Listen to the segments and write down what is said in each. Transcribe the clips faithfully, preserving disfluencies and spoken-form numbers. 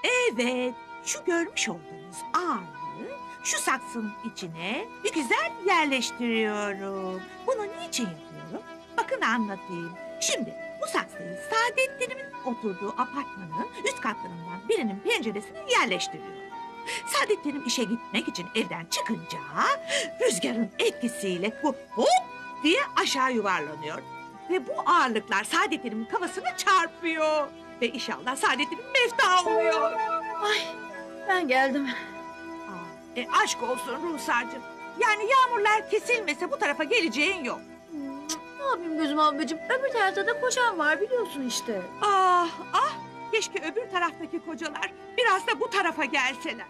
Evet, şu görmüş olduğunuz ağırlığı şu saksının içine bir güzel yerleştiriyorum. Bunu niçin yapıyorum? Bakın anlatayım. Şimdi bu saksıyı Saadettin'imin oturduğu apartmanın üst katlarından birinin penceresine yerleştiriyorum. Saadettin'im işe gitmek için evden çıkınca rüzgarın etkisiyle bu hop diye aşağı yuvarlanıyor. Ve bu ağırlıklar Saadettin'imin kafasına çarpıyor. Ve inşallah Saadettin'im mefta oluyor. Ay ben geldim. Aa, e, aşk olsun Ruhsar'cığım. Yani yağmurlar kesilmese bu tarafa geleceğin yok. Ne yapayım gözüm ablacığım? Öbür tarafta da kocam var biliyorsun işte. Ah ah, keşke öbür taraftaki kocalar biraz da bu tarafa gelseler.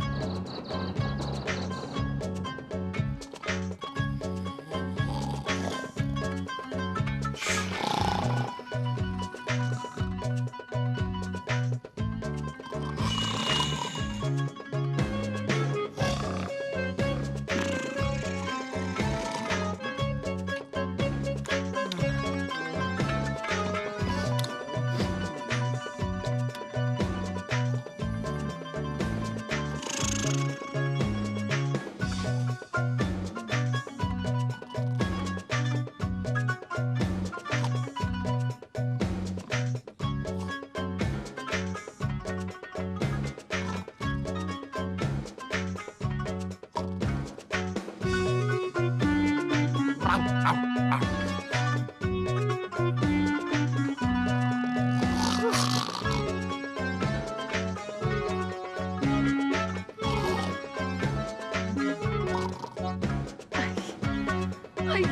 Ay.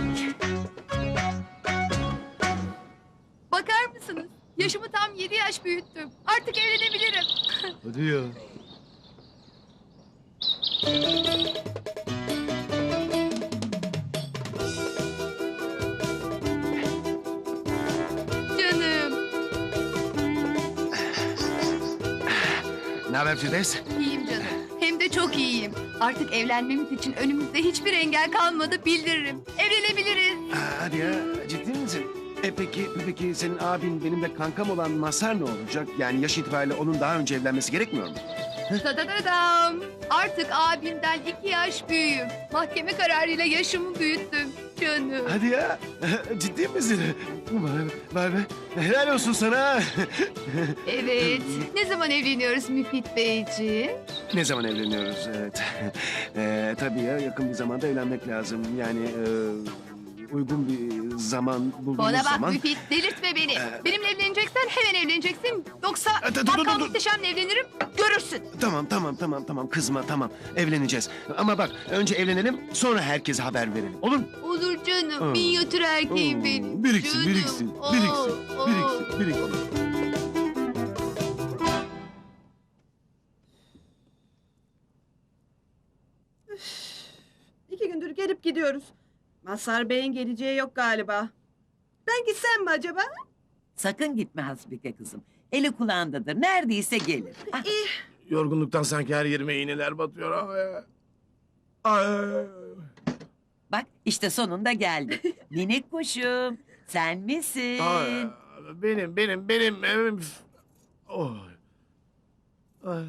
Bakar mısınız? Yaşımı tam yedi yaş büyüttüm. Artık evlenebilirim. Hadi ya. Canım. Ne haber Firdevs? İyiyim canım. Hem de çok iyiyim. Artık evlenmemiz için önümüzde hiçbir engel kalmadı bildiririm. Evlenebiliriz. Aa, hadi ya, ciddi misin? E peki, peki senin abin benim de kankam olan Masar ne olacak? Yani yaş itibariyle onun daha önce evlenmesi gerekmiyor mu? Tadadadam. Artık abimden iki yaş büyüğüm. Mahkeme kararıyla yaşımı büyüttüm. Canım. Hadi ya, ciddi misin? Vay be, vay be. Helal olsun sana. Evet. Ne zaman evleniyoruz Müfit Beyciğim? Ne zaman evleniyoruz? Evet. Ee, tabii ya, yakın bir zamanda evlenmek lazım. Yani e, uygun bir zaman bulduğumuz Bana bak zaman... Müfit delirtme beni. Ee, Benimle evleneceksen hemen evleneceksin. Yoksa Dur, dur, dur, bakkal dur. muhteşemle evlenirim görürsün. Tamam tamam tamam tamam kızma tamam evleneceğiz. Ama bak önce evlenelim sonra herkese haber verelim olur mu? Olur canım. Aa. Minyatür erkeğim Oo, benim. Biriksin Canım. biriksin Oo, biriksin oo. biriksin biriksin. İki gündür gelip gidiyoruz. Mazhar Bey'in geleceği yok galiba. Ben gitsem mi acaba? Sakın gitme Hasbike kızım. Eli kulağındadır. Neredeyse gelir. Ah, Yorgunluktan sanki her yerime iğneler batıyor. Ay, ay, ay. bak işte sonunda geldi. Minik kuşum. Sen misin? Ay, benim, benim, benim evim. Oy. Ay.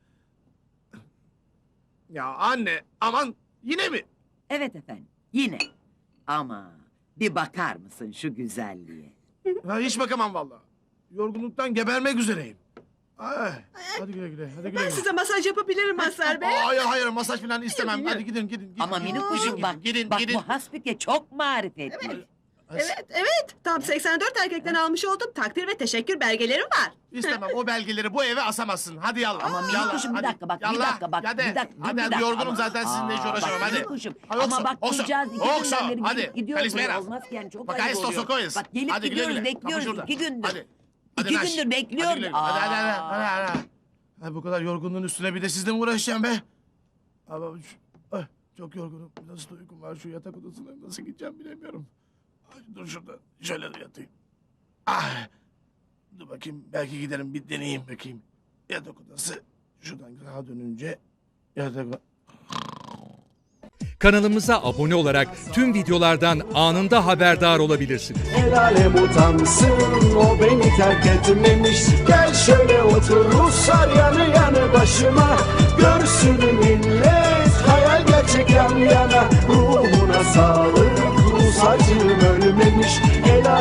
Ya anne, aman yine mi? Evet efendim. Yine. Ama bir bakar mısın şu güzelliğe? Ha, hiç bakamam vallahi. Yorgunluktan gebermek üzereyim. Ay, hadi güle güle, hadi güle Ben güle. size masaj yapabilirim Mazhar Bey. Hayır hayır masaj falan istemem. Yürü, yürü. Hadi gidin gidin. gidin Ama gidin, minik gidin, kuşum gidin, bak. Gidin bak gidin. bu Hasbike çok marifetli. Evet, evet. Tam seksen dört erkekten almış olduğum takdir ve teşekkür belgelerim var. İstemem o belgeleri bu eve asamazsın. Hadi yallah. Ama minik Yallah, kuşum bir hadi. dakika bak bir Yallah, dakika bak hadi. bir dakika. dur, Hadi bir hadi dakika. yorgunum Ama- zaten sizinle hiç Aa, uğraşamam bak, hadi. minik kuşum. Ha, yoksa, Ama bak yoksa, kızcağız iki yoksa, günden beri hadi. gelip gidiyor Feliz buraya. Mera. Olmaz ki yani çok Bak, ayıp esto oluyor. sokoyuz. Bak gelip Hadi güle gidiyoruz güle. bekliyoruz Kapı şurada. iki gündür. Hadi. Hadi İki Naş. gündür Hadi bekliyoruz. güle güle. Hadi hadi hadi. Aa. hadi, hadi. Ha, bu kadar yorgunluğun üstüne bir de sizle mi uğraşacağım be? Ama şu- ay, çok yorgunum. Nasıl da uykum var şu yatak odasına nasıl gideceğim bilemiyorum. Ay, dur şurada şöyle yatayım. Ah. Dur bakayım belki giderim bir deneyeyim bakayım. Yatak odası şuradan sağa dönünce yatak Kanalımıza abone olarak tüm videolardan anında haberdar olabilirsiniz. El alem utansın, o beni terk etmemiş. Gel şöyle otur Ruslar yanı yanı başıma. Görsün millet, hayal gerçek yan yana. Ruhuna sağlık, Rus acım ölmemiş. El